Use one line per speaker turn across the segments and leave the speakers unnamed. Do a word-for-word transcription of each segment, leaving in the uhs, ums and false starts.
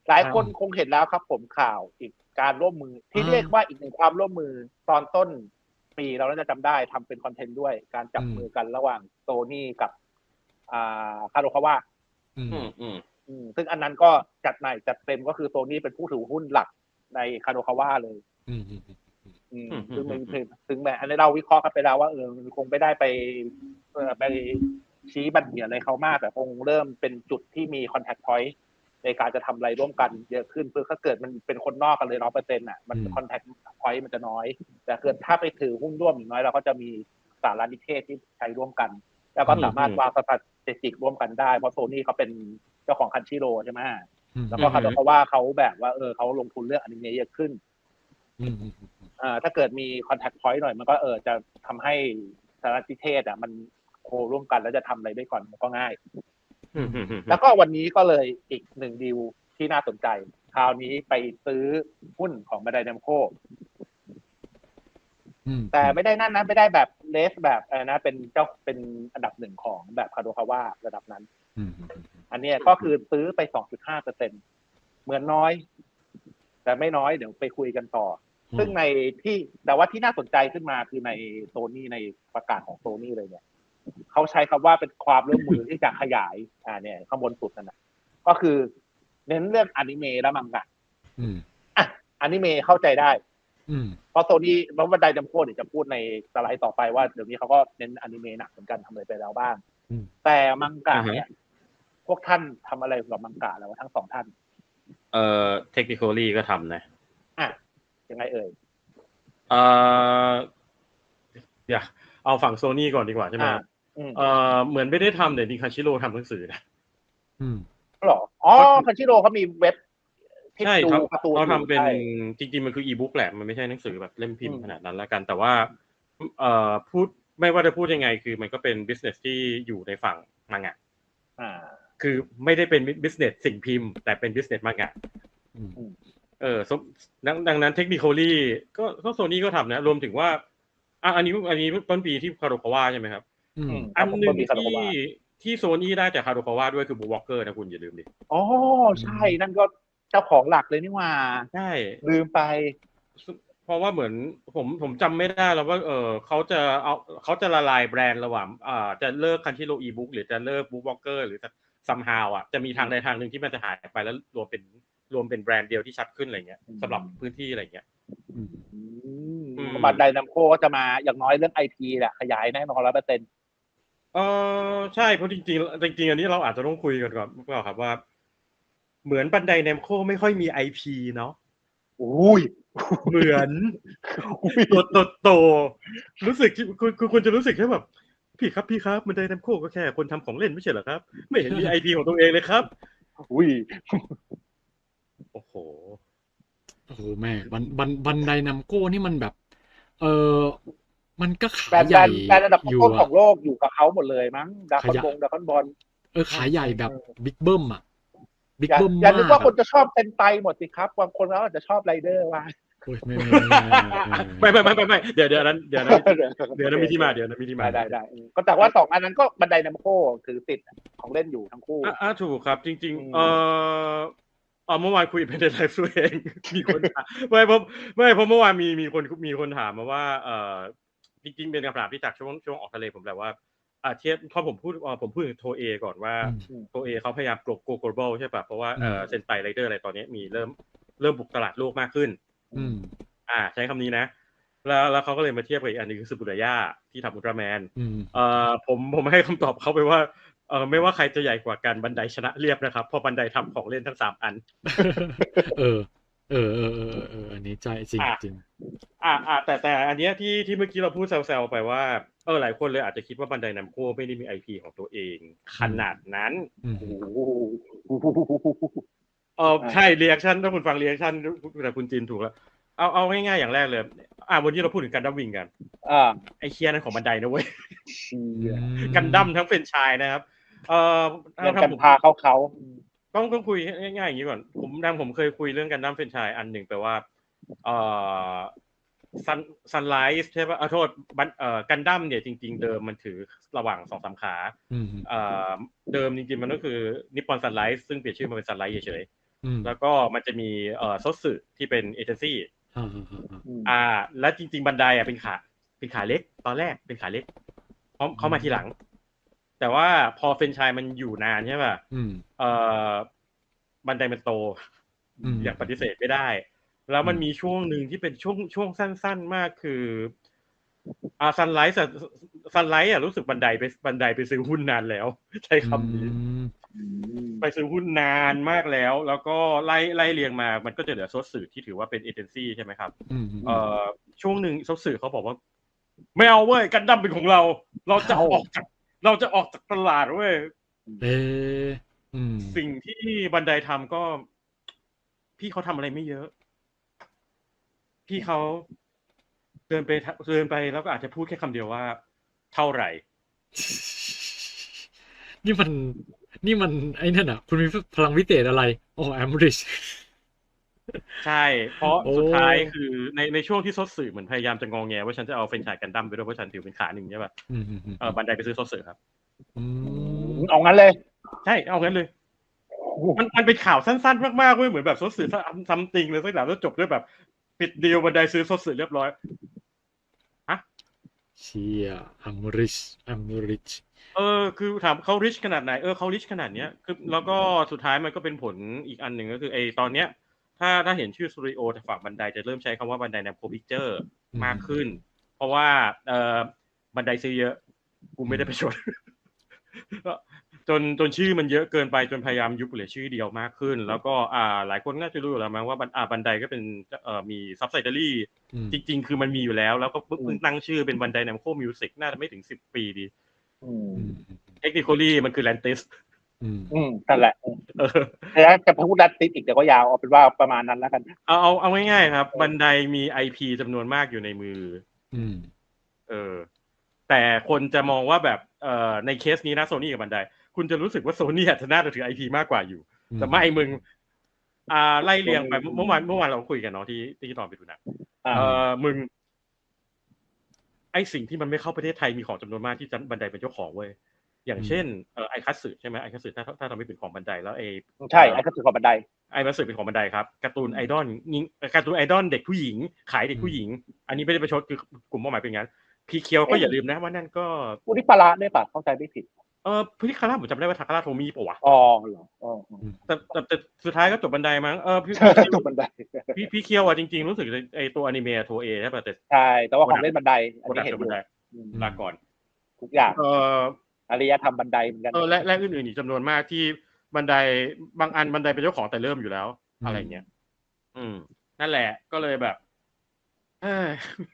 หลายคนคงเห็นแล้วครับผมข่าวอีกการร่วมมือที่เรียกว่าอีกหนึ่งความร่วมมือตอนต้นปีเราน่าจะจำได้ทำเป็นคอนเทนต์ด้วยการจับมือกันระหว่างโซนี่กับอ่าคาโดคาวะ
อืมอืม
ซึ่งอันนั้นก็จัดใหม่จัดเต็มก็คือโซนี่เป็นผู้ถือหุ้นหลักในคาโดคาวะเลย
อืมอืม
อืมซึ่งมันถึงแม้อันนี้เราวิเคราะห์กันไปแล้วว่าเออมันคงไม่ได้ไปเออไปชี้บัญญัติอะไรเขามากแต่คงเริ่มเป็นจุดที่มีคอนแทคพอยต์ในการจะทำอะไรร่วมกันเยอะขึ้นเพื่อถ้าเกิดมันเป็นคนนอกกันเลยร้อยเปอร์เซ็นต์อ่ะมันคอนแทคพอยต์มันจะน้อยแต่เกิดถ้าไปถือหุ้นร่วมอย่างน้อยเราก็จะมีสารนิเทศที่ใช้ร่วมกันแล้วก็สามารถวางสถาสถิติร่วมกันได้เพราะโซนี่เขาเป็นเจ้าของคันชิโร่ใช่ไหมแล้วก็เขาบอกว่าเขาแบบว่าเออเขาลงทุนเรื่องอนิเมะเยอะขึ้นอ่าถ้าเกิดมีคอนแทคพอยต์หน่อยมันก็เออจะทำให้สารนิเทศอ่ะมันโคร่วมกันแล้วจะทำอะไรได้ก่อนมันก็ง่ายแล้วก็วันนี้ก็เลยอีกหนึ่งดีลที่น่าสนใจคราวนี้ไปซื้อหุ้นของบันไดแนมโคแต่ไม่ได้นั่นนะไม่ได้แบบเลสแบบอะไรนะเป็นเจ้าเป็นอันดับหนึ่งของแบบคาโดคาวะระดับนั้นอันนี้ก็คือซื้อไป สองจุดห้าเปอร์เซ็นต์ เหมือนน้อยแต่ไม่น้อยเดี๋ยวไปคุยกันต่อซึ่งในที่แต่ว่าที่น่าสนใจขึ้นมาคือในโซนี่ในประกาศของโซนี่เลยเนี่ยเขาใช้คำว่าเป็นความร่วมมือที่จะขยายอ่าเนี่ยข้างบนสุดนั่นนะก็คือเน้นเรื่องอนิเมะและมังงะอ่ะอนิเมะเข้าใจได้เพราะโซนี่เพราะบันไดจำโคตรเดี๋ยวจะพูดในสไลด์ต่อไปว่าเดี๋ยวนี้เขาก็เน้นอนิเมะหนักเหมือนกันทำอะไรไปแล้วบ้างแต่มังงะเนี่ยพวกท่านทำอะไรกับมังงะแล้วทั้งสองท่าน
เอ่อ technically ก็ทำนะ
อ่ะยังไงเอ่ย
เอ่ออย่าเอาฝั่งโซนี่ก่อนดีกว่าใช่ไหมเอ่อเหมือนไม่ได้ทำแต่ดิคันชิโร่ทำหนังสือนะ
อืมหรออ๋อคันชิโร่เขามีเว็บ
ใช่ครับเขาทำเป็นจริงๆมันคืออีบุ๊กแหละมันไม่ใช่หนังสือแบบเล่มพิมพ์ขนาดนั้นแล้วกันแต่ว่าเอ่อพูดไม่ว่าจะพูดยังไงคือมันก็เป็น business ที่อยู่ในฝั่งมังงะ
อ่า
คือไม่ได้เป็น business สิ่งพิมพ์แต่เป็น business มังงะเออดังนั้น technically ก็ก็โซนี่ก็ทำนะรวมถึงว่าอ่ะอันนี้อันนี้ต้นปีที่คาโดคาวะใช่ไหมครับอันนึงที่ที่โซนี่ได้จากคาโดคาวะด้วยคือบูวอล์กเกอร์นะคุณอย่าลืมดิ
อ๋อใช่นั่นก็เจ้าของหลักเลยนี่ว่า
ใช่
ลืมไป
เพราะว่าเหมือนผมผมจำไม่ได้แล้วว่าเออเขาจะเอาเขาจะละลายแบรนด์ระหว่างอ่าจะเลิกคันชิโร่อีบุ๊กหรือจะเลิกบูวอล์กเกอร์หรือจะซัมฮาวอ่ะจะมีทางใดทางหนึ่งที่มันจะหายไปแล้วรวมเป็นรวมเป็นแบรนด์เดียวที่ชัดขึ้นอะไรเงี้ยสำหรับพื้นที่อะไรเงี้ย
บันไดนัมโคก็จะมาอย่างน้อยเรื่องไอทีแหละขยายแน่นอนร้อยเปอร์เซ็นต์
เออใช่เพราะจริงๆจริงๆอันนี้เราอาจจะต้องคุยกันก่อนเปล่าครับว่าเหมือนบันไดเนมโคไม่ค่อยมี ไอ พี เนาะ
อุ้ย
เหมือนตัวโตโตรู้สึกคุณคุณคุณจะรู้สึกแค่แบบพี่ครับพี่ครับบันไดเนมโคก็แค่คนทำของเล่นไม่ใช่เหรอครับไม่เห็นมี ไอ พี ของตัวเองเลยครับ
อุ้ย
โอ้โห
โอ้โหแม่บันบันบันไดนัมโก้นี่มันแบบเออมันก็ขายใหญ่
แบรนด์ระดับต้นของโลกอยู่กับเขาหมดเลยมั้งดาคอนบงดาคอนบอล
เออขายใหญ่แบบบิ๊กเบิ้มอ่ะบิ๊กเบิ้มมาก
อย่านึกว่าคนจะชอบเซนไตหมดสิครับบางคนแล้วอาจจะชอบไรเดอร์ว่า
โอ้ยไม่ไม่
ไม่ไม่ไม่ไม่เดี๋ยวเดี๋ยวนั้นเดี๋ยวนั้นเดี๋ยวนั้นมีที่มาเดี๋ยวนั้นมีที่มา
ได้ได้ก็แต่ว่าสองอันนั้นก็บันไดนัมโคถือติดของเล่นอยู่ทั้งคู่
อ่าถูกครับจริงๆเอออ๋อเมื่อวานคุยเป็นไลฟ์ตัวเองมีคนถามไม่เพราะไม่เพราะเมื่อวานมีมีคนมีคนถามมาว่าเออจริงๆเป็นคำถามที่จากช่วงช่วงออกทะเลผมแหละว่าอ่าเทียบพอผมพูดผมพูดถึงโทเอก่อนว่าโทเอเขาพยายามโกลโก global ใช่ป่ะเพราะว่าเออเซนไตไรเดอร์อะไรตอนนี้มีเริ่มเริ่มบุกตลาดโลกมากขึ้น
อืม
อ่าใช้คำนี้นะแล้วแล้วเขาก็เลยมาเทียบกับอีกอันนึงคือซูบุระยะที่ทำอุลตร้าแมนเอ่อผมผมให้คำตอบเขาไปว่าเออไม่ว่าใครจะใหญ่กว่ากันบันไดชนะเรียบนะครับเพราะบันไดทำของเล่นทั้งสามอัน
เออเออเออเออเอออันนี้ใจจริงจริง
อ่าอ่าแต่แต่อันเนี้ยที่ที่เมื่อกี้เราพูดแซวๆไปว่าเออหลายคนเลยอาจจะคิดว่าบันไดนัมโก้ไม่ได้มี ไอ พี ของตัวเองขนาดนั้นเออใช่เรีแอคชั่นถ้าคุณฟังเรีแอคชั่นแต่คุณจินถูกแล้วเอาเอาง่ายๆอย่างแรกเลยอ่าวันนี้เราพูดถึงกันดั้มวิงกัน
อ่า
ไอเคียนั่นของบันไดนะเว้ยกันดั้มทั้งเป็นชายนะครับเอ่อ
ถ้าผมพาเขาเขา
ต้องต้องคุยง่ายๆอย่างนี้ก่อนผมดังผมเคยคุยเรื่องกันดั้มเป็นชายอันหนึ่งแปลว่าเอ่อซันซันไลท์ใช่ป่ะขอโทษเอ่อกันดั้มเนี่ยจริงๆเดิมมันถือระหว่างสองสามขาเอ่อเดิมจริงๆมันก็คือนิปปอนซันไลท์ซึ่งเปลี่ยนชื่อมาเป็นซันไลท์เฉย
อืม
แล้วก็มันจะมีเอ่อซอสสึที่เป็นเอเจนซี่
อ่าอ่าอ่า
อืม
อ่า และจริง ๆ บันไดอ่ะเป็นขาเป็นขาเล็กตอนแรกเป็นขาเล็กเขาเขามาทีหลัง แต่ว่าพอเฟรนไชส์มันอยู่นานใช่ป่ะ
อืม
เอ่อบันไดมันโต
อืม
อย่างปฏิเสธไม่ได้ แล้วมัน
อืม
มีช่วงหนึ่งที่เป็นช่วงช่วงสั้นๆมากคืออ่าซันไลท์ซันไลท์อ่ะรู้สึกบันไดไปบันไดไปซื้อหุ้นนานแล้ว ใช้คำนี้
อืม
ไปซื้อหุ้นนานมากแล้ว แล้วก็ไล่ไล่เรียงมา มันก็จะเหลือซอสสื่อที่ถือว่าเป็นเอเจนซี่ใช่ไหมครับ
อืม
เอ่อช่วงหนึ่งซอสสื่อเขาบอกว่าไม่เอาเว้ยกันดั้มเป็นของเรา เราจะออกจากเราจะออกจากตลาดเว้ย
เอออืม
สิ่งที่บันไดทำก็ พี่เขาทำอะไรไม่เยอะ พี่เขาเดินไปเดินไปแล้วก็อาจจะพูดแค่คำเดียวว่า เท่าไหร่
นี่มัน นี่มันไอ้นั่นอ่ะ คุณมีพลังวิเศษอะไรโอ้แอมริช
ใช่ เพราะ
โอ้
สุดท้ายคือในในช่วงที่ซอสสื่อเหมือนพยายามจะงอแงว่าฉันจะเอาเฟรนไชส์กันดั้มไปด้วยเพราะฉันถือเป็นขาหนึ่งใช่ป่ะ
อืมอืมอืม
เออบันไดไปซื้อซอสสื่อครับ
อืม
เอางั้นเลย
ใช่เอางั้นเลย มันมันเป็นข่าวสั้นๆมากๆเว้ยเหมือนแบบซอสสื่อซัมติงเลยสักอย่างแล้วจบด้วยแบบปิดดีลบันไดซื้อซอสสื่อเรียบร้อย
เชียแอมริชแอมริช
เออคือถามเขาริชขนาดไหนเออเขาริชขนาดเนี้ยคือแล้วก็สุดท้ายมันก็เป็นผลอีกอันหนึ่งก็คือไอตอนเนี้ย ถ้าถ้าเห็นชื่อสตูดิโอจากฝั่งบันไดจะเริ่มใช้คำว่าบันไดแนมโคพิกเจอร์มากขึ้น เพราะว่าเออบันไดซื้อเยอะ กูไม่ได้ไปชด จนจนชื่อมันเยอะเกินไปจนพยายามยุบเหลือชื่อเดียวมากขึ้น แล้วก็อ่าหลายคนน่าจะรู้อยู่แล้วมั้งว่าบันอ่าบันไดก็เป็นเอ่อมีซับไซเดอรี่
อืม
จริงๆ คือมันมีอยู่แล้ว แล้วก็เพิ่งตั้งชื่อเป็นบันไดแนมโคมิวสิกน่าจะไม่ถึงสิบปีดี
อืม
อืม
เทคนิคอลี่มันคือแลนติส
อืม
อืมนั่นแหละ
เออ
แต่ถ้าจะพูดดัตติดอีกเดี๋ยวก็ยาวเอาเป็นว่าประมาณนั้นแล้วกัน
เอาเอาเอาง่ายๆครับ บันไดมี ไอ พี จำนวนมากอยู่ในมือ
อืม
เออ แต่คนจะมองว่าแบบเอ่อในเคสนี้นะโซนี่กับบันไดคุณจะรู้สึกว่าโซนี่อาจจะน่าจะถือ ไอ พี มากกว่าอยู่ แต่ไม่มึง อ่าไล่เรียงไปเมื่อวานเมื่อวานเราคุยกันเนาะที่ที่ตอนไปดูหนัง
อ่า
เออมึง ไอสิ่งที่มันไม่เข้าประเทศไทยมีของจำนวนมากที่บันไดเป็นเจ้าของเว้ยอย่างเช่นเออไอคัตสึใช่ไหมไอคัตสึถ้าถ้าทำไม่เป็นของบันไดแล้วไอ
ใช่ไอ้ก็ถือของบันได
ไอคัตสึเป็นของบันไดครับการ์ตูนไอดอลยิงการ์ตูนไอดอลเด็กผู้หญิงขายเด็กผู้หญิง อันนี้ไม่ได้ประชดคือกลุ่มเป้าหมายเป็นงั้นพีเคียวก็อย่าลืมนะว่านั่นก็
อุนิปาระด้วยป่ะเข้าใจไม่ผิด
เออพิคาร่าผมจำได้ว่าทาคาร่าโทมิปะวะ
อ๋อเหรออ๋อ
แต่แต่แต่สุดท้ายก็จบบันไดมั้งเออพี่
จบบันได
พี่พี่เคียวอ่ะจริงๆรู้สึกไอตัวอนิเมะโทเอใช่ป่ะแต่
ใช่แต่ว่าของเล่นบันไดอัน
โปรดั
นี้
ก
เห็น
ต์
อ
บัน
ยู่
ได
อืม
ลาก่อน
ทุกอย่าง
เออ
อารยธรรมบันไดเหมือนกัน
เออและและอื่นๆอีกจำนวนมากที่บันไดบางอันบันไดเป็นเจ้าของแต่เริ่มอยู่แล้ว อะไรเงี้ยอืมนั่นแหละก็เลยแบบเออ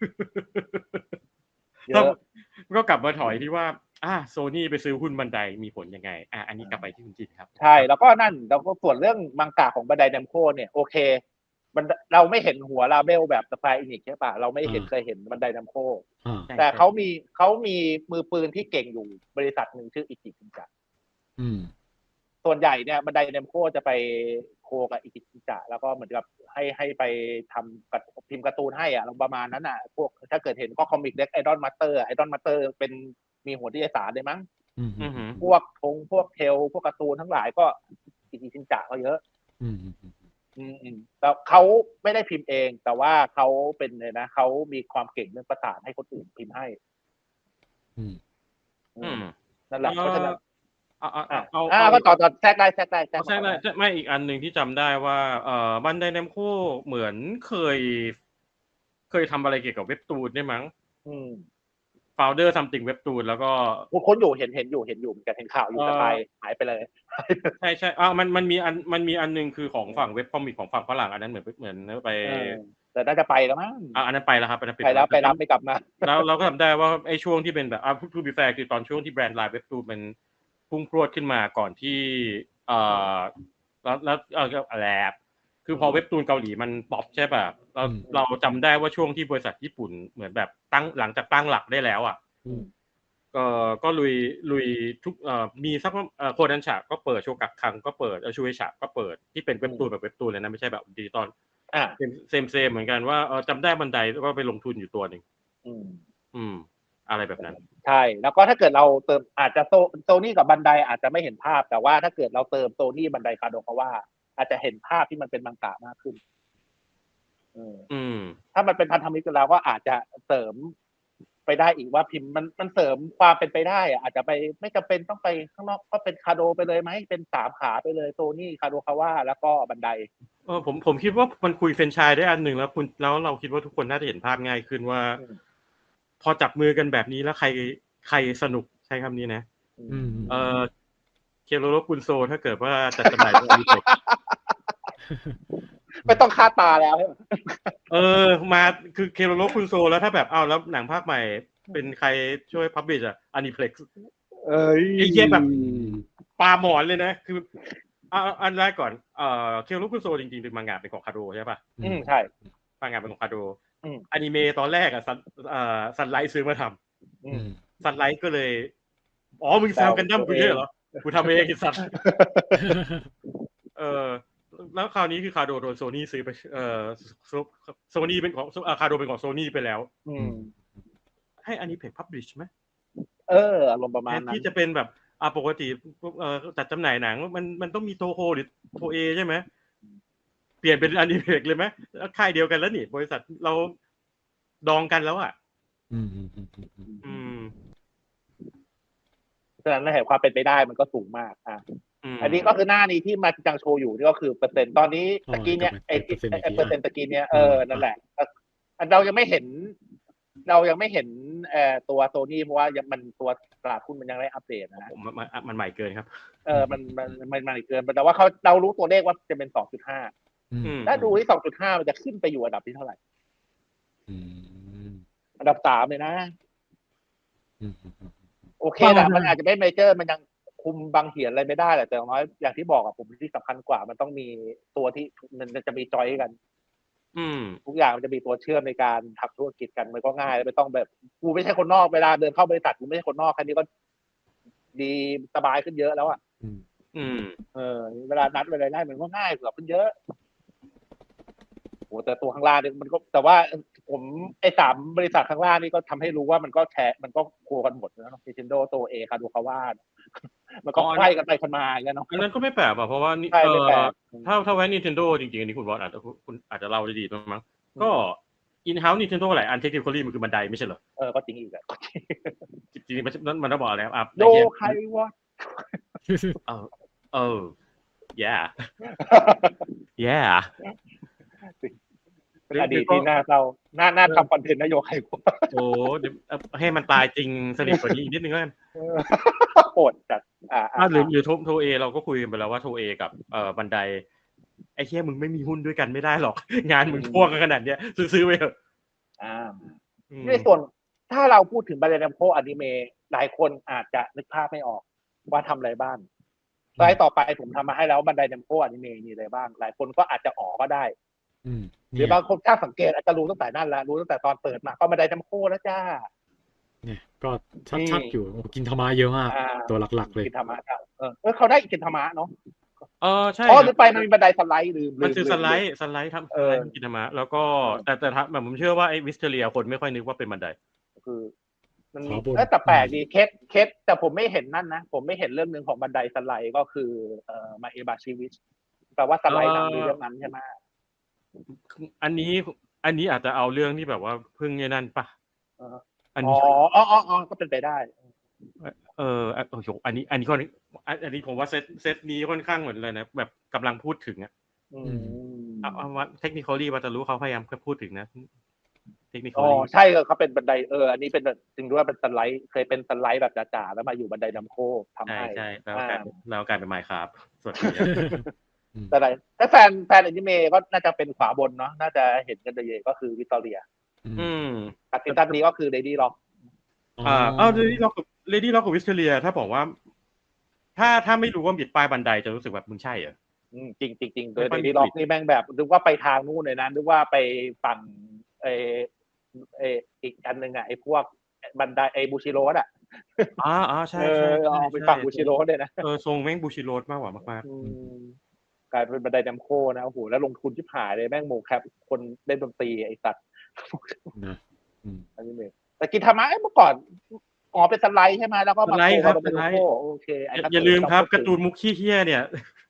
เยอะ
ก็กลับมาถอยที่ว่าอ่าโซนี่ไปซื้อหุ้นบันไดมีผลยังไงอ่ะอันนี้กลับไปที่คุณจินครับ
ใช่แล้วก็นั่นแล้วก็ส่วนเรื่องมังกะของบันไดแนมโคเนี่ยโอเคมันเราไม่เห็นหัวลาเบลแบบสไฟอินิกใช่ปะเราไม่เห็นเคยเห็นบันไดแนมโค
อ่า
แต่เขามีเขามีมือปืนที่เก่งอยู่บริษัทหนึ่งชื่ออิจิจินจะ
อืม
ส่วนใหญ่เนี่ยบันไดเนมโคจะไปโคกับอิจิจินจะแล้วก็เหมือนกับให้ให้ไปทำกับพิมพ์การ์ตูนให้อ่ะประมาณนั้นอ่ะพวกถ้าเกิดเห็นก็คอมิกเด็กไอดอลมาสเตอร์ไอดอลมาสเตอร์เป็นมีหัวที่สารเลยมั้ง
อืม
อือหือ
พวกทงพวกเทลพวกการ์ตูนทั้งหลายก็อิจิจินจะก็เยอะ
อืม
อืมอืมแต่เขาไม่ได้พิมพ์เอง แต่ว่าเขาเป็นเลยนะเขามีความเก่งเรื่องประสานให้คนอื่นพิมพ์ให้
อืม
อื
อื
ม
ม
นั่นแหละเพราะฉะนั้น
เอาเอา
อ่ะ
เอา
อ่า
เอา
ก็ต่อต่อแทรกได้แทรกได้แทรก
ใช่ไหมไม่อีกอันหนึ่งที่จำได้ว่าเอ่อบันไดเนมโคเหมือนเคย เคยทำอะไรเกี่ยวกับเว็บตูนได้มั้ง
อืม
โฟลเดอร์ซัมติงเว็บตูนแล้วก็
คนอยู่เห็นเห็นอยู่เห็นอยู่เหมือนกันเห็นข่าวอยู่แต่ไปหายไปเลย
ใช่ใช่อ่ามันมันมีอันมันมีอันหนึงคือของฝั่งเว็บคอมิกของฝั่งฝรั่งอันนั้นเหมือนเหมือนไป
เออแต่น่าจะไปแล้วมั้ง
อ่าอันนั้นไปแล้วครับอันนั้น
ไปแล้วไปรับไม่กลับมา
แล้วเราก็จำได้ว่าไอ้ช่วงที่เป็นแบบอ่าทูบีแฟร์คือตอนช่วงที่แบรนด์ไลน์เว็บตูนมันพุ่งพรวดขึ้นมาก่อนที่เอ่อแล้วแล้วเออแลบคือพอเว็บตูนเกาหลีมันป๊อปใช่ป่ะเราเราจำได้ว่าช่วงที่บริษัทญี่ปุ่นเหมือนแบบตั้งหลังจากตั้งหลักได้แล้วอ่ะ
อืม
ก็ก็ลุยลุยทุกเอ่อมีสักเอ่อโคดันฉะก็เปิดโชกักคังก็เปิดเออชูเอฉะก็เปิดที่เป็นเว็บตูนแบบเว็บตูนเลยนะไม่ใช่แบบดิจิตอล
อ่า
เซมเซมเซมเหมือนกันว่าเออจำได้บันไดก็ไปลงทุนอยู่ตัวหนึ่ง
อืม
อืม อะไรแบบนั้น
ใช่แล้วก็ถ้าเกิดเราเติมอาจจะโซโซนี่กับบันไดอาจจะไม่เห็นภาพแต่ว่าถ้าเกิดเราเติมโซนี่บันไดคาโดคาว่าอาจจะเห็นภาพที่มันเป็นมังงะมากขึ้นเออ
อืม
ถ้ามันเป็นพันธมิตรกันแล้วก็อาจจะเสริมไปได้อีกว่าพิมพ์มันมันเสริมความเป็นไปได้อะอาจจะไปไม่จำเป็นต้องไปข้างนอกก็เป็นคาโดไปเลยไหมเป็นสามขาไปเลยโซนี่คาโดคาว่าแล้วก็บันได
เออผมผมคิดว่ามันคุยเฟรนไชส์ได้อันหนึ่งแล้วคุณแล้วเราคิดว่าทุกคนน่าจะเห็นภาพง่ายขึ้นว่า
อืม
พอจับมือกันแบบนี้แล้วใครใครสนุกใช้คำนี้นะ
อืม
เออเคโรโรกุนโซถ้าเกิดว่าจัดจำหน่ายในเด็ก
ไม่ต้องคาดตาแล้วใช่ไหม
เออมาคือเคโรโรกุนโซแล้วถ้าแบบอ้าวแล้วหนังภาคใหม่เป็นใครช่วยพับบิชอ่ะอนิเพล็กซ์
เอ้ย
ไอ้เหี้ยแบบ ปลาหมอนเลยนะคือเอาอันแรกก่อนเอ่อเคโรโรกุนโซจริงๆเป็นมังงะเป็นของคาโดใช่ป่ะ
อืมใช่
มังงะเป็นของคาโด
อืม
อนิเมะตอนแรกอ่ะซันเอ่อซันไลท์ซื้อมาท
อื
อื
ม
ม
ำซันไลท์ก็เลยอ๋อมึงแซวกันดั้มกูเนี่ยเหรอกูทำเองไอ้สัตว์ เออแล้วคราวนี้คือคาโดโดนโซนี่ซื้อไปเออโซนี่เป็นของเอ่อคาโดเป็นของโซนี่ไปแล้ว
อืม
ให้อันนี้เพจพับลิชไหม
เอออารมณ์ประมาณ
แทน
นั้น
ที่จะเป็นแบบอ่าปกติเอ่อจัดจำหน่ายหนังมันมันต้องมีโทโฮหรือโทเอใช่ไหมเปลี่ยนเป็นอนิเมะเลยไหมค่ายเดียวกันแล้วนี่บริษัทเราดองกันแล้วอ่ะ
อืมอืมอืมอืมอืม
อืม
ฉะนั้นเห็นความเป็นไปได้มันก็สูงมากอ่ะ
อืม
อันนี้ก็คือหน้านี้ที่มาจังโชว์อยู่นี่ก็คือเปอร์เซ็นต์ตอนนี้ตะกี้เนี้ยไอ้ไอ้เปอร์เซ็นต์ตะกี้เนี้ยเออนั่นแหละอันเรายังไม่เห็น เรายังไม่เห็นเอ่อตัวโซนี่เพราะว่ายังมันตัวตลาดหุ้นมันยังไม่อัปเดตนะ
ผมมันมันใหม่เกินครับ
เออมันมันมันมันเกินแต่ว่าเขาเรารู้ตัวเลขว่าจะเป็น สองจุดห้า
อืม
ถ้าดูที่ สองจุดห้า มันจะขึ้นไปอยู่อันดับที่เท่าไหร่
อืม
อันดับสามเลยนะ
อืมอืมอืม
โอเคแหละมันอาจจะไม่เมเจอร์มันยังคุมบางเหียนอะไรไม่ได้แหละแต่อย่างน้อยอย่างที่บอกอะผมที่สำคัญกว่า มันต้องมีตัวที่มันจะมีจอยกัน
อืม
ทุกอย่างมันจะมีตัวเชื่อมในการทำธุรกิจกันมันก็ง่ายไม่ต้องแบบกูไม่ใช่คนนอกเวลาเดินเข้าบริษัทกูไม่ใช่คนนอกแค่นี้ก็ดีสบายขึ้นเยอะแล้วอ่ะ
อืม
อืม
เออเวลานัดเวลาได้มันก็ง่ายกว่าขึ้นเยอะโอ้แต่ตัวข้างล่างเนี่ยมันก็แต่ว่าผมไอ้สามบริษัทข้างล่างนี่ก็ทำให้รู้ว่ามันก็แชร์มันก็โคกันหมดนะ Nintendo ตัวเอคาดูคาว่ามันก็ไขว้กันไปคนมาอย่างเงี้ยเนาะ
อันนั้นก็ไม่แปลกอ่ะเพราะว่านี่
ใช่
เอ
ไม่แปล
อก ถ้าถ้าแว้น Nintendo จริงๆอันนี้คุณบอสอาจจะคุณอาจจะเล่าได้ดีมั้งก็ in-house Nintendo หลายอัน technically มันคือบันไดไม่ใช่เหรอ
เออก็จริงอีกอะ
จริงๆมันมันต้องบอกอะไรอ่ะ
โยใครวะ
เออเออ yeah yeah
เป็นอดีตที่น่าเศร้าน่าน่าทำคอนเทนต์นโยใครวะ
โอ้เดี๋ยวให้มันตายจริงสนิทกว่านี้อีกนิดนึงแล้วกัน
โหดจัดอ่า
อ่าหรือหรือโทโทเอเราก็คุยกันไปแล้วว่าโทเอกับเอ่อบันไดไอ้เหี้ยมึงไม่มีหุ้นด้วยกันไม่ได้หรอก งานมึงพ่วงกันขนาดเนี้ยซื้อๆไปเถอะ
อ่าในส่วนถ้าเราพูดถึงบาเลนโคอนิเมะหลายคนอาจจะนึกภาพไม่ออกว่าทำอะไรบ้างสไลด์ต่อไปผมทำมาให้แล้วบันไดเนมโคอนิเมะมีอะไรบ้าง หลายคนก็อาจจะออกก็ได้
อืม
หรือบางคนถ้าสังเกตอาจจะรู้ตั้งแต่นั่นแล้วรู้ตั้งแต่ตอนเปิดมาก็บันไดเนมโคแล้วจ้า
เนี่ยก็ชัดๆอยู่โอ้กินธรรมะเยอะมาก
อ่า
ตัวหลักๆเลย
กินธรรมะครับเออเออเขาได้กินธรรมะเนาะ
เออใช่
อ๋อหรือไปมันมีบันไดสไลด์ลืม
มันคือ
ลื
ส
ม
ไล
ลืม
ด์สไลด์ทำ
เอ
ส
อ
ไลด์กินธรรมะแล้วก็
เออ
แต่แต่ถ้าแบบผมเชื่อว่าไอ้วิสเทเรียคนไม่ค่อยนึกว่าเป็นบันได
คือมัน
ขวาบน
เออแต่แปลกดีเคสเคสแต่ผมไม่เห็นนั่นนะผมไม่เห็นเรื่องหนึ่งของบันไดสไลด์ก็คือเอ่อมาเอบาชิวิชแปลว่าสไลด์นำมีเรื่องนั้นใช่ไหม
อันนี้อันนี้อาจจะเอาเรื่องที่แบบว่าเพิ่งเนี่ยนั่นปะ
เออ
อัน
อ๋อ
นี้
อ๋ออ๋ออ๋อก็เป็นไปได้
เอออ่ะโอ้โหอันนี้ อันนี้ก็อันอันนี้ผมว่าเซตเซตนี้ค่อนข้างเหมือนเลยนะแบบกำลังพูดถึงอ่ะ
อืม
เอาเอาว่าเทคนิคอลี่ว่าจะรู้เขาพยายามพูดถึงนะเทคนิคอ
อ๋อ
ลี่
ใช่เขาเป็นบันไดเอออันนี้เป็นจริงด้วยเป็นสไลด์เคยเป็นสไลด์แบบจ๋าๆแล้วมาอยู่บันไดนำโคทำ
ใช่
ให้
ใช่แล้ว
อ่า
กลายแล้วกลายเป็นไมค์ครับสวัสดี
แต่ไหนถ้าแฟนแฟนอนิเมะก็น่าจะเป็นขวาบนเนาะน่าจะเห็นกันเยอะๆก็คือวิตตอเรีย
อืม
ตัดสินตันนี้ก็คือเดดี้ล็อก
อ่าอ้าวเลดี้ล็อกเลดี้ล็อกกับวิสเทเลียถ้าบอกว่า ถ้าถ้าไม่รู้ว่าบิดป้ายบันไดจะรู้สึกแบบมึงใช่เหรอ
จริงจริงจริงโด
ไม่
ย
ค่อย
เด
มี
ดี้ล็อก
บิด
นี่แม่งแบบนึกว่าไปทางนู่นเลยนะนึกว่าไปฝั่งเออเอออีกอันหนึ่งอ่ะไอ้พวกบันไดไอ้บูชิโรสอ่ะ
อ่าอ่าใช่
เอ
ใช่
อ
ใช่
เอาไปฝั่งบูชิโรสเลยนะ
เออทรงแม่งบูชิโรสมากกว่ามาก
อืมกลายเป็นบันไดแดมโคนะโอ้โหแล้วลงทุนชิบหายเลยแม่งโมแคปคนเล่นดนตรีไอ้สัตว์
นะอืม
อันนี้เมแต่กินธรรมะเมื่อก่อนอ๋อเป็นสไลด์ใช่ไหมแล้วก็
ๆส
มา
ไลด์
โค
ครับ
มา
ส
เป็น
ไล
โค
ด์
โอเค
อย่าอย่าลืมครับการ์ตูนมุกขี้เหี้ยเนี่ย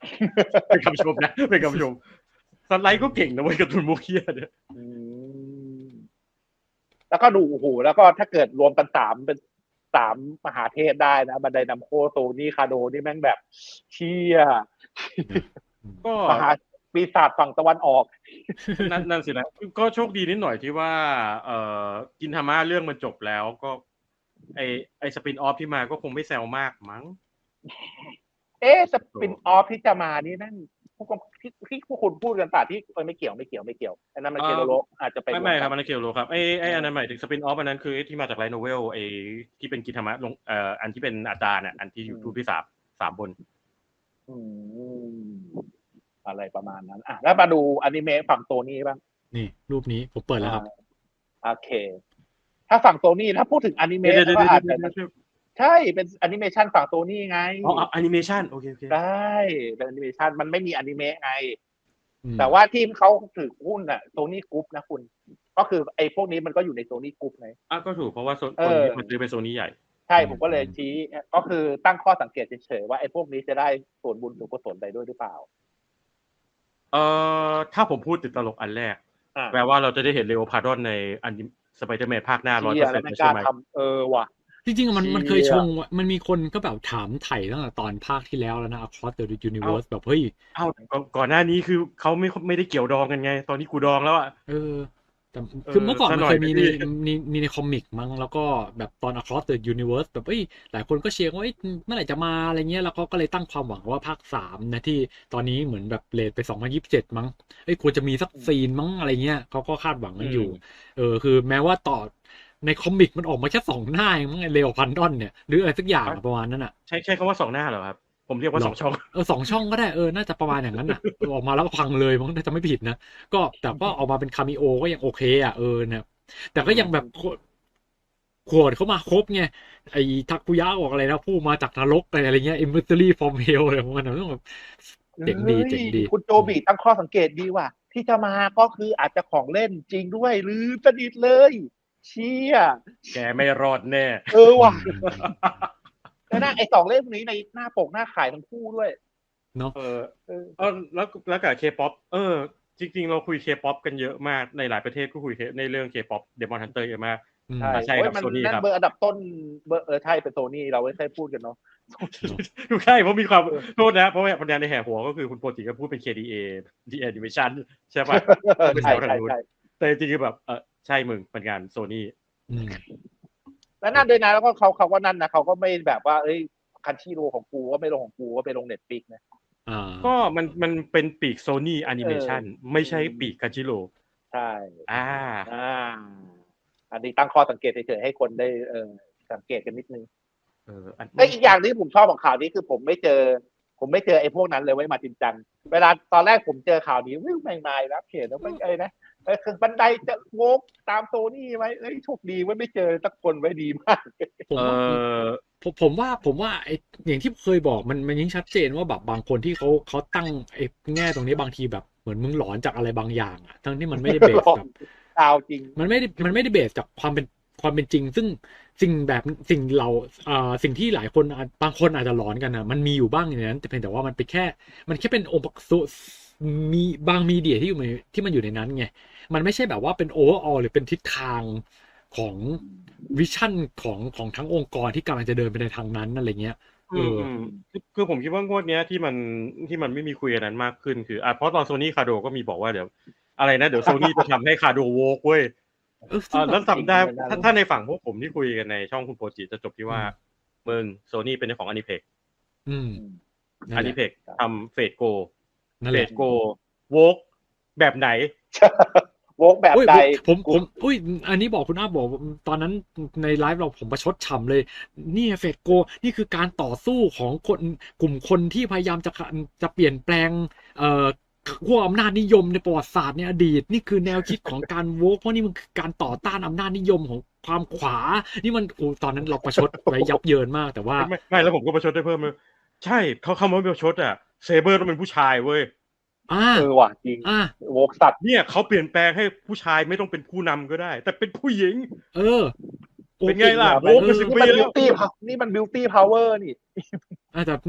เป็นคำชมนะเป็นคำชมสไลด์ก็เก่งนะเว้ยการ์ตูนมุกเฮียเนี่ย
อืมแล้วก็ดูโอ้โหแล้วก็ถ้าเกิดรวมกันสามเป็นสามมหาเทพได้นะบันไดนัมโคโซนี่คาโดนี่แม่งแบบเชี่ย
ก็
มหาปีศาจฝั่งตะวันออก
นั่นนั่นสินะก็โชคดีนิดหน่อยที่ว่าเอ่อกินธรรมะเรื่องมันจบแล้วก็ไอไอสปินออฟที่มาก็คงไม่แซวมากมั้ง
เอ๊ะสปินออฟที่จะมานี่นั่นพวกที่ที่พวกคุณพูดกันป่ะที่เออไม่เกี่ยวไม่เกี่ยวไม่เกี่ยวอันนั้นมันเคโรโรอาจจะไป
ไม่ไม่ครับมันเกี่ยวโลครับไอไออันนั้นหมายถึงสปินออฟอันนั้นคือไอที่มาจากไลท์โนเวลไอที่เป็นกินธรรมะลงเอ่ออันที่เป็นอาจารย์อ่ะอันที่ยูทูบที่สามสามบน
อืมอะไรประมาณนั้นอ่ะแล้วมาดูอนิเมะฝั่งโซนี่บ้าง
นี่รูปนี้ผมเปิดแล้วครับ
โอเค ถ้าฝั่งโซนี่ถ้าพูดถึงอนิเมะก็อาจจะใช่เป็นแอนิเมชันฝั่งโซนี่ไง
อ๋อแอนิเมชันโอเคโอเค
ได้เป็นแอนิเมชันมันไม่มีอนิเมะไง แต่ว่าที่เขาถือหุ้นอ่ะโซนี่กรุ๊ปนะคุณ ก็คือไอ้พวกนี้มันก็อยู่ในโซนี่กรุ๊ปไง
อ่ะก็ถูกเพราะว่าโซนนี้มันซื้อเป็นโซนี่ใหญ่
ใช่ผมก็เลยชี้ก็คือตั้งข้อสังเกตเฉยๆว่าไอ้พวกนี้จะได้ส่วนบุญส่วนกุศลใดด้วยหรือเปล่า
เอ่อถ้าผมพูดติดตลกอันแรกแปลว่าเราจะได้เห็นเลโอพาร์ดอนในอันสไปเดอร์แมนภาคหน้า ร้อยเปอร์เซ็นต์ ใช่ไหม
เออว่ะ
จริงๆมันมันเคยชงมันมีคนก็แบบถามไถ่ตั้งแต่ตอนภาคที่แล้วแล้วนะ Across the Universe แบบเฮ้ย
เอ้าก่อนหน้านี้คือเขาไม่ไม่ได้เกี่ยวดองกันไงตอนนี้กูดองแล้วอ่ะ
เออแต่คือเมื่อก่อนมันเคยมีในมีมีในคอมิกมั้งแล้วก็แบบตอน Across the Universe แบบเอ้ยหลายคนก็เชียร์ว่าเอ้ยเมื่อไหร่จะมาอะไรเงี้ยแล้วเขาก็เลยตั้งความหวังว่าภาคสามนะที่ตอนนี้เหมือนแบบเรทไปสองพันยี่สิบเจ็ดมั้งเอ้ยควรจะมีสักซีนมั้งอะไรเงี้ยเขาก็คาดหวังกันอยู่เออคือแม้ว่าต่อในคอมิกมันออกมาแค่สองหน้าเองมั้งไอเลโอพันดอนเนี่ยหรืออะไรสักอย่างประมาณนั้นอ่ะ
ใช่ใช่คำว่าสองหน้าเหรอครับผมเรียกว่าสองช่อง
เออสองช่องก็ได้เออน่าจะประมาณอย่างนั้นอ่ะออกมาแล้วพังเลยมั้งถ้าจะไม่ผิดนะก็แต่ก็ออกมาเป็นคาเมโอก็ยังโอเคอ่ะเออเนี่ยแต่ก็ยังแบบขวดเข้ามาครบไงไอ้ทักคุยะออกอะไรนะผู้มาจากนรกอะไรเงี้ย Emissary from Hell อะไรพวกนั้นต้องแบบเจ๋งดีเจ๋งดี
คุณโจบีตั้งข้อสังเกตดีว่ะที่จะมาก็คืออาจจะของเล่นจริงด้วยหรือสนิทเลยเชี่ย
แกไม่รอดแน่
เออว่ะแล้วนะไอ้สองเล่มนี้ในหน้าปกหน้าขายทั้งคู่ด้วย
เนาะ
เออเออแล้วแล้วกับเคป๊อปเออจริงๆเราคุยเคป๊อปกันเยอะมากในหลายประเทศก็คุยในเรื่องเคป๊อปเดมอนฮันเตอร์เยอะมาก
ใช่ใช่ครับโซนี่ครับเบอร์อันดับต้นเบอร์เออใช่เป็นโซนี่เราไม่เคยพูดกันเนาะ
ถูกใช่เพราะมีความโทษนะเพราะว่าปัญญาในแห่หัวก็คือคุณโปรติก็พูดเป็น เค ดี เอ ดี Animation ใช่ป่ะ
ใช่ใช่ใช่
แต่จริงๆแบบเออใช่มึงเป็นงานโซนี่
แล้วนั่นด้วยนะแล้วก็เขาเขาก็นั่นนะเขาก็ไม่แบบว่าเอ้ยคันชิโร่ของกูก็ไม่ลงของกูก็ไปลง Netflix นะ
ก็มันมันเป็นปีกโซนี่แอนิเมชันไม่ใช่ปีกคันชิโร่
ใช่
อ่า
อ่าอันนี้ตั้งข้อสังเกตเฉยๆให้คนได้เออสังเกตกันนิดนึง
เออ
ไอ้อีกอย่างที่ผมชอบของข่าวนี้คือผมไม่เจอผมไม่เจอไอ้พวกนั้นเลยไว้มาจริงจังเวลาตอนแรกผมเจอข่าวนี้วิ่งไม่มาแล้วเขียนแล้วไม่ไอ้นะเออคือบันไดจะโวกตามโซนี่ไว้เอ้ยโชคดีว่าไม่เจอสักคนไว้ดีมาก
ผมว่าผมผมว่าผมว่าไอ้อย่างที่เคยบอกมันมันยิ่งชัดเจนว่าแบบบางคนที่เขาเขาตั้งไอ้แง่ตรงนี้บางทีแบบเหมือนมึงหลอนจากอะไรบางอย่างอ่ะทั้งที่มันไม่ได้เบสกับ
ข่าวจริง
มันไม่ได้มันไม่ได้เบสจากความเป็นความเป็นจริงซึ่งสิ่งแบบสิ่งเราอ่าสิ่งที่หลายคนบางคนอาจจะหลอนกันนะมันมีอยู่บ้างอย่างนั้นแต่เพียงแต่ว่ามันเป็นแค่มันแค่เป็นองค์ประกอบมีบางมีเดียที่อยู่ในที่มันอยู่ในนั้นไงมันไม่ใช่แบบว่าเป็นโอเวอร์ออลหรือเป็นทิศทางของวิชั่นของของทั้งองค์กรที่กำลังจะเดินไปในทางนั้นอะไรเงี้ยเออ
คือผมคิดว่างวดเนี้ยที่มันที่มันไม่มีคุยกันนั้นมากขึ้นคืออ่ะเพราะตอนโซนี่คาโดก็มีบอกว่าเดี๋ยวอะไรนะเดี๋ยวโซนี่จะทำให้คาโดโวกเว้ยแล้วจำได้ถ้าในฝั่งพวกผมที่คุยกันในช่องคุณโปรจิจะจบที่ว่าเมืองโซนี่เป็นเจ้าของอนิเพกอนิเพกทำเฟดโกเฟดโกโวกแบบไหน
โวกแบบใด
ผมผมอุ้ยอันนี้บอกคุณอ้าบอกตอนนั้นในไลฟ์เราผมประชดฉ่ำเลยนี่เฟดโกนี่คือการต่อสู้ของคนกลุ่มคนที่พยายามจะจะเปลี่ยนแปลงเอ่อขั้วอำนาจนิยมในประวัติศาสตร์ในอดีตนี่คือแนวคิดของการโวกเพราะนี่มันคือการต่อต้านอำนาจนิยมของความขวานี่มันโอ้ตอนนั้นเราประชดไว้ยับเยินมากแต่ว่า
ไม่ไม่แล้วผมก็ประชดได้เพิ่มเลยใช่เขาคำว่าประชดอ่ะเซเบอร์ต้องเป็นผู้ชายเว้ย
เออว่ะจริงโวกสัตว์
เนี่ยเขาเปลี่ยนแปลงให้ผู้ชายไม่ต้องเป็นผู้นำก็ได้แต่เป็นผู้หญิง
เออ
เป็นไงล่ะโวกเป็นสิบปีแล้ว
นี่มันบิวตี้พาวเวอร์นี่
แต่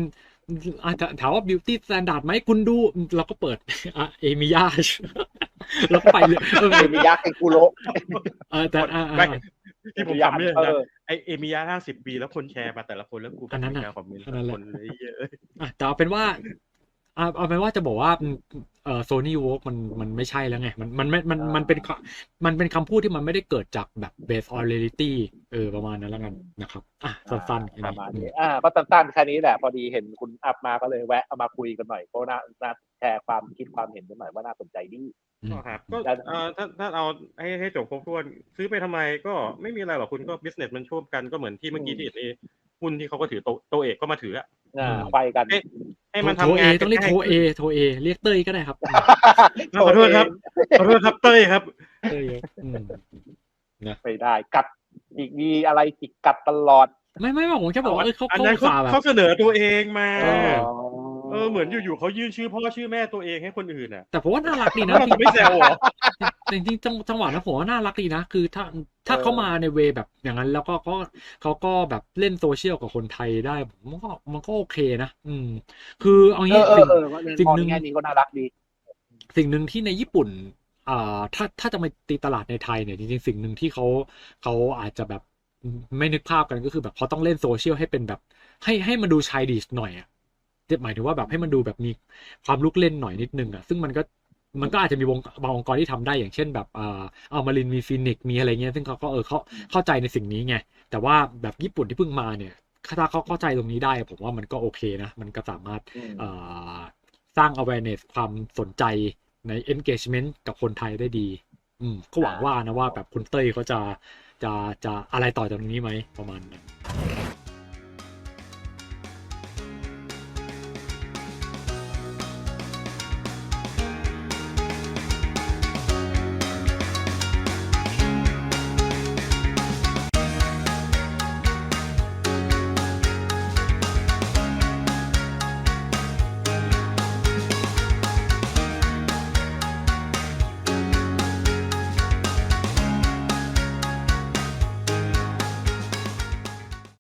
อาจจะถามว่า beauty standard ไหมคุณดูเราก็เปิดอ่ะเอมิยาแล้วก็ไปเลยเออ
เอมิยาเกกุโร
เออแต่อ่า
ไม่ที่ผมทำเนี่ย
เอ
นะ
อ
ไอเอมิยาห้าสิบปีแล้วคนแชร์มาแต่ละคนแล้วกู
อันนั้นน่ะ
ไม่กล้าคอมเมนต์
อันนั้นแหละ
คนเลยเยอะ
อ่ะแต่เอาเป็นว่าอ่ะเอาเป็นว่าจะบอกว่าเอ่อโซนี่วอล์กมันมันไม่ใช่แล้วไงมันมันไม่มันมันเป็นมันเป็นคำพูดที่มันไม่ได้เกิดจากแบบ based on reality เออประมาณนั้นแล้วกันนะครับอ่ะสั้นๆแค่
ประ
นี้
มาณ
อื
นี้
ม
อ่าก็สั้นๆแค่นี้แหละพอดีเห็นคุณอัพมาก็เลยแวะเอามาคุยกันหน่อยก็น่าน่าแชร์ความคิดความเห็นกันหน่อยว่าน่าสนใจดี
อืม
ก็ครับก็เอ่อถ้าถ้าเอาให้ให้จบครบถ้วนซื้อไปทำไมก็ไม่มีอะไรหรอกคุณก็ business มันช่วกันก็เหมือนที่เมื่อกี้ที่เห็นเอหุ้นที่เขาก็ถือโตโตเอกก็มาถืออะ
อ่าไฟกัน
ให้ให้มัน
โทร
ทำ
เอง
าน
ต้องเรียกโทรเอโทรเอเรียกเต้ยก็ได้ครับ
ขอโทษครับขอโทษครับเต้ยครับ
เต้ยอืม
ไม่ได้กัดอีกมีอะไรจิกกัดตลอด
ไม่ไม่ไม่ผมแค่บอกว่าเออเขา
อัน
เขา
นั้นเขา
สาห์แบบ
เขาเสนอตัวเองมา
เออ
เออเหมือนอยู่ๆเขายื่นชื่อพ่อชื่อแม่ตัวเองให้คนอื่นอ่ะ
แต่ผมว่าน่ารักดีนะ
แล้วเราจะไม่แซวเหรอ
จริงจริงๆจังจังหวะนั้นผมว่าน่ารักดีนะ คือถ้าถ้าเขามาในเวแบบอย่างนั้นแล้วก็ก็เขาก็แบบเล่นโซเชียลกับคนไทยได้ผมว่ามันก็โอเคนะอืม คือเอา
เอ
งี้
อเอ
สิ่
อง เออว่า
สิ่ง
มอง
หนึ่ง
ในแง่นี้ก็น่ารักดี
สิ่งหนึ่งที่ในญี่ปุ่นอ่าถ้าถ้าจะมาตีตลาดในไทยเนี่ยจริงๆสิ่งหนึ่งที่เขาเขาอาจจะแบบไม่นึกภาพกันก็คือแบบเขาต้องเล่นโซเชียลให้เป็นแบบให้ให้มันดูชายดิชหน่อยอ่ะหมายถึงว่าแบบให้มันดูแบบมีความลุกเล่นหน่อยนิดนึงอ่ะซึ่งมันก็มันก็อาจจะมีวงบางองค์กรที่ทำได้อย่างเช่นแบบอ่าเอามารินมีฟินิกมีอะไรเงี้ยซึ่งเขาก็เออเขาเข้าใจในสิ่งนี้ไงแต่ว่าแบบญี่ปุ่นที่เพิ่งมาเนี่ยถ้าเขาเข้าใจตรงนี้ได้ผมว่ามันก็โอเคนะมันก็สามารถ
อืม
เอ่อสร้าง awareness ความสนใจใน engagement กับคนไทยได้ดี อืมก็หวังว่านะว่าแบบคุณเต้ยเขาจะจะจะอะไรต่อจากนี้ไหมประมาณนั้น